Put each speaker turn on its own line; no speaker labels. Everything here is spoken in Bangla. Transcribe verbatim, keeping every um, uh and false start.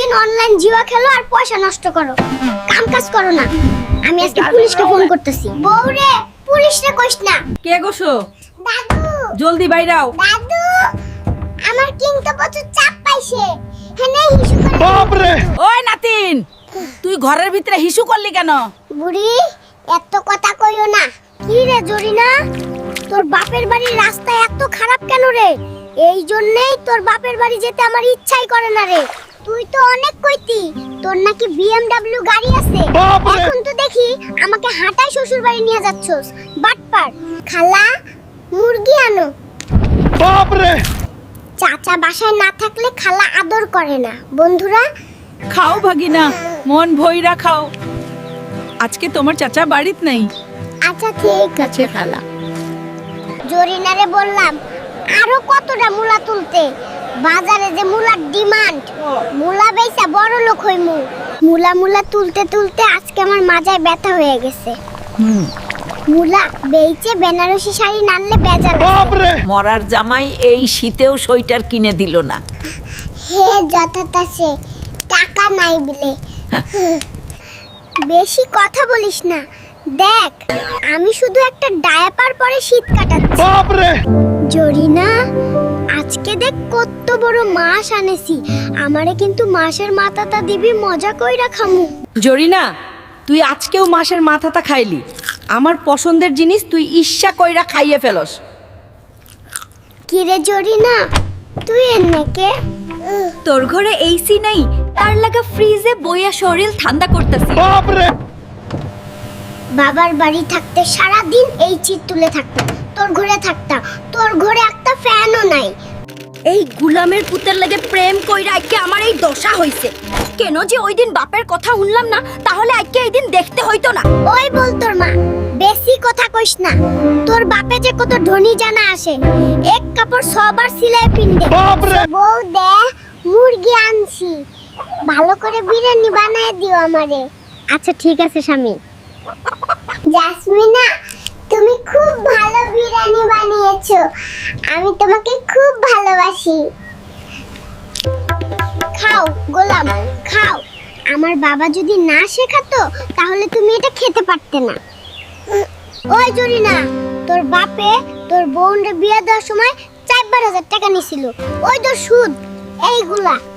সারাদিন অনলাইন জুয়া খেলো আর পয়সা নষ্ট করো, কাম কাজ করো না। আমি আজকে পুলিশকে ফোন করতেছি। বউরে, পুলিশরে কইস না।
কে গোসো?
দাদু,
জলদি বাইরাও।
দাদু, আমার কিন্তু প্রচুর চাপ পাইছে। হেনে হিসু করে।
বাপ রে!
ওই নাতিন, তুই ঘরের ভিতরে হিসু করলি কেন?
বুড়ি, এত কথা কইও না। কি রে জরিনা, তোর বাপের বাড়ির রাস্তা এত খারাপ কেন রে? এই জন্যই তোর বাপের বাড়ি যেতে আমার ইচ্ছাই করে না রে। তুই তো অনেক কইতি তোর নাকি বিএমডব্লিউ গাড়ি আছে,
বাপরে!
এখন তো দেখি আমাকে হাঁটাই শ্বশুর বাড়ি নিয়ে যাচ্ছস। বাটপার। খালা, মুরগি আনো।
বাপ রে!
চাচা বাসায় না থাকলে খালা আদর করে না। বন্ধুরা,
খাও ভাগিনা, মন ভইরা খাও। আজকে তোমার চাচা বাড়িত নাই।
আচ্ছা ঠিক আছে খালা। জরিনারে বললাম আরো কতটা মুলা তুলতে, বাজারে যে মুলার ডিমান্ড, মুলা বেচা বড় লোক হইমু। মুলা মুলা তুলতে তুলতে আজকে আমার মাজায় ব্যথা হয়ে গেছে।
হুম,
মুলা বেচে বেনারসি শাড়ি নানলে বেজার।
বাপ রে!
মরার জামাই এই শীতেও সোয়েটার কিনে দিল না।
হে যথাতাসে টাকা নাই বলে। বেশি কথা বলিস না। দেখ, আমি শুধু একটা ডায়াপার পরে শীত কাটাচ্ছি।
বাপ রে!
জরিনা, আজকে দেখ কত বড় মাছ আনেছি। আমারে কিন্তু মাছের মাথাটা দিবি, মজা কইরা খামু।
জরিনা, তুই আজকেও মাছের মাথাটা খাইলি। আমার পছন্দের জিনিস তুই ইচ্ছা কইরা খাইয়ে ফেলস।
কি রে জরিনা, তুই এনেকে?
তোর ঘরে এসি নাই, তার লাগা ফ্রিজে বইয়া শরীর ঠান্ডা করতেছি।
বাপ রে!
বাবার বাড়ি থাকতে সারা দিন এই চিট তুলে থাকতাম, তোর ঘরে থাকতাম, তোর ঘরে একটা ফ্যানও নাই।
এই গুলামের পুতের লাগে প্রেম কইরা আজকে আমার এই দশা হইছে। কেন যে ওই দিন বাপের কথা শুনলাম না, তাহলে আজকে এই দিন দেখতে হইতো না।
ওই বল তোর মা, বেশি কথা কইস না। তোর বাপে যে কত ধনী জানা আসে, এক কাপড় সবার সিলাই পিনদে।
বাপ রে!
বউ দে, মুরগি আনছি, ভালো করে বিরিয়ানি বানায় দিও আমারে। আচ্ছা ঠিক আছে স্বামী। জাসমিনা, তুমি খুব ভালো বিরিয়ানি বানিয়েছো, আমি তোমাকে খুব ভালোবাসি। খাও গোলাম, খাও। আমার বাবা যদি না শেখাতো তাহলে তুমি এটা খেতে পারতে না। ওই জরিনা, তোর বাপে তোর বোনরে বিয়ে দেওয়ার সময় চার হাজার টাকা নিছিল, ওই তো সুদ এইগুলা।